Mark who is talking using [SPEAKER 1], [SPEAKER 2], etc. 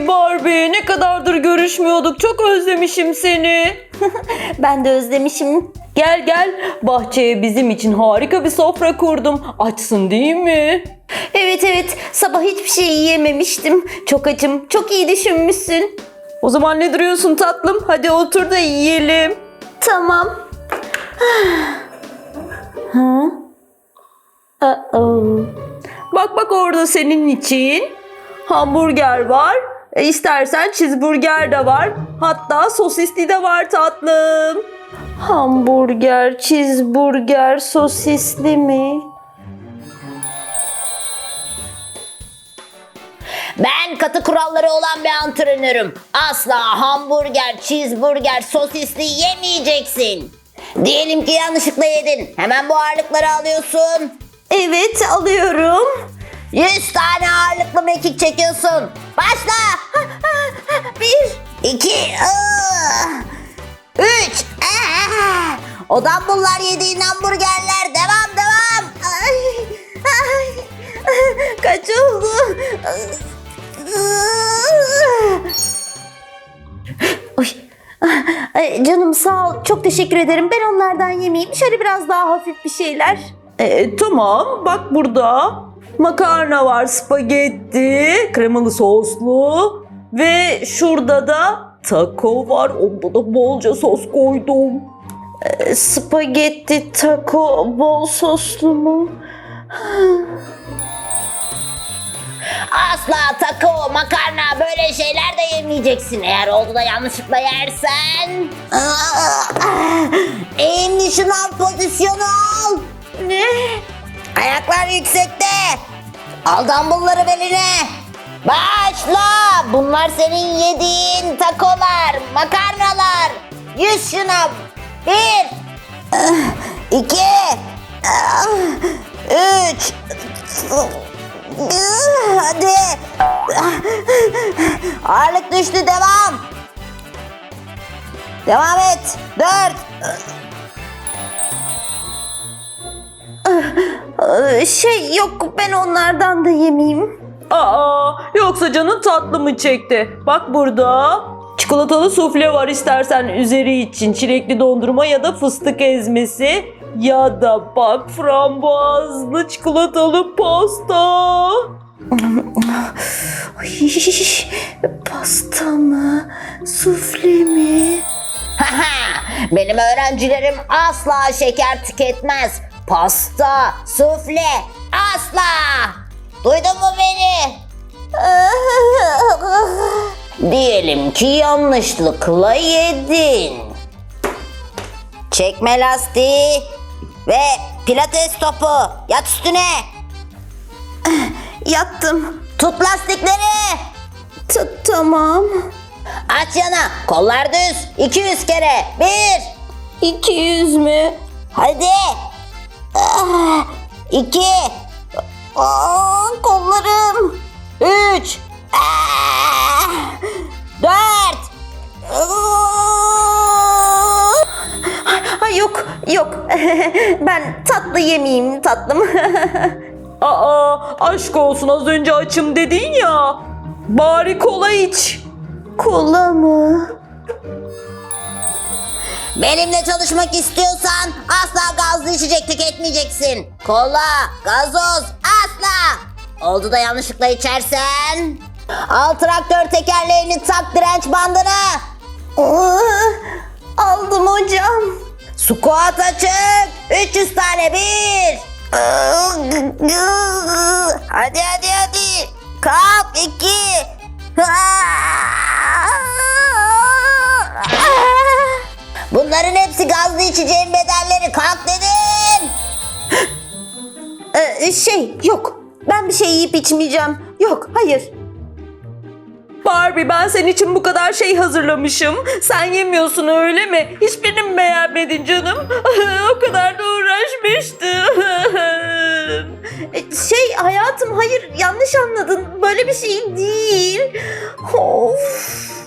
[SPEAKER 1] Barbie, ne kadardır görüşmüyorduk. Çok özlemişim seni.
[SPEAKER 2] Ben de özlemişim.
[SPEAKER 1] Gel gel, bahçeye bizim için harika bir sofra kurdum. Açsın değil mi?
[SPEAKER 2] Evet, sabah hiçbir şey yiyememiştim. Çok açım, çok iyi düşünmüşsün.
[SPEAKER 1] O zaman ne duruyorsun tatlım? Hadi otur da yiyelim.
[SPEAKER 2] Tamam. Ha?
[SPEAKER 1] Bak orada senin için. Hamburger var. İstersen cheeseburger de var. Hatta sosisli de var tatlım.
[SPEAKER 2] Hamburger, cheeseburger, sosisli mi?
[SPEAKER 3] Ben katı kuralları olan bir antrenörüm. Asla hamburger, cheeseburger, sosisli yemeyeceksin. Diyelim ki yanlışlıkla yedin. Hemen bu ağırlıkları alıyorsun.
[SPEAKER 2] Evet, alıyorum.
[SPEAKER 3] 100 tane ağırlıklı mekik çekiyorsun. Başla. 1, 2, 3. O dumbbell'lar yediğin hamburgerler. Devam.
[SPEAKER 2] Kaç oldu? Ay, canım sağ ol. Çok teşekkür ederim. Ben onlardan yemeyeyim. Şöyle biraz daha hafif bir şeyler.
[SPEAKER 1] Tamam, bak burada makarna var, spagetti, kremalı soslu ve şurada da taco var. Onda da bolca sos koydum.
[SPEAKER 2] Spagetti, taco, bol soslu mu?
[SPEAKER 3] Asla taco, makarna böyle şeyler de yemeyeceksin. Eğer oldu da yanlışlıkla yersen... Eğimli şınav pozisyonu al.
[SPEAKER 2] Ne?
[SPEAKER 3] Ayaklar yüksekte. Al dumbbellları beline. Başla. Bunlar senin yediğin takolar, makarnalar. 100 şınav. 1, 2, 3. Hadi. Ağırlık düştü. Devam. Devam et. 4.
[SPEAKER 2] Yok, ben onlardan da yemeyeyim.
[SPEAKER 1] Yoksa canın tatlı mı çekti? Bak burada çikolatalı sufle var, istersen üzeri için çilekli dondurma ya da fıstık ezmesi ya da bak frambuazlı çikolatalı pasta.
[SPEAKER 2] Pasta mı? Sufle mi?
[SPEAKER 3] Benim öğrencilerim asla şeker tüketmez. Pasta, sufle asla. Duydun mu beni? Diyelim ki yanlışlıkla yedin. Çekme lastiği ve pilates topu. Yat üstüne.
[SPEAKER 2] Yattım.
[SPEAKER 3] Tut lastikleri.
[SPEAKER 2] Tamam.
[SPEAKER 3] Aç yana. Kollar düz. 200 kere. 1.
[SPEAKER 2] 200 mü?
[SPEAKER 3] Hadi. 2.
[SPEAKER 2] Kollarım.
[SPEAKER 3] 3. 4.
[SPEAKER 2] Yok. Ben tatlı yemeyeyim tatlım.
[SPEAKER 1] Aşk olsun, az önce açım dedin ya. Bari kola iç.
[SPEAKER 2] Kola mı?
[SPEAKER 3] Benimle çalışmak istiyorsan asla gazlı içecek tüketmeyeceksin. Kola, gazoz asla. Oldu da yanlışlıkla içersen. Al traktör tekerleğini, tak direnç bandını.
[SPEAKER 2] Aldım hocam.
[SPEAKER 3] Squat açık. 300 tane. 1. Hadi. Kalk. 2. Bunların hepsi gazlı içeceğin bedelleri. Kalk dedim.
[SPEAKER 2] Yok. Ben bir şey yiyip içmeyeceğim. Yok, hayır.
[SPEAKER 1] Barbie, ben senin için bu kadar şey hazırlamışım. Sen yemiyorsun öyle mi? Hiçbirini mi beğenmedin canım? O kadar da uğraşmıştım.
[SPEAKER 2] Hayatım, hayır, yanlış anladın. Böyle bir şey değil. Of.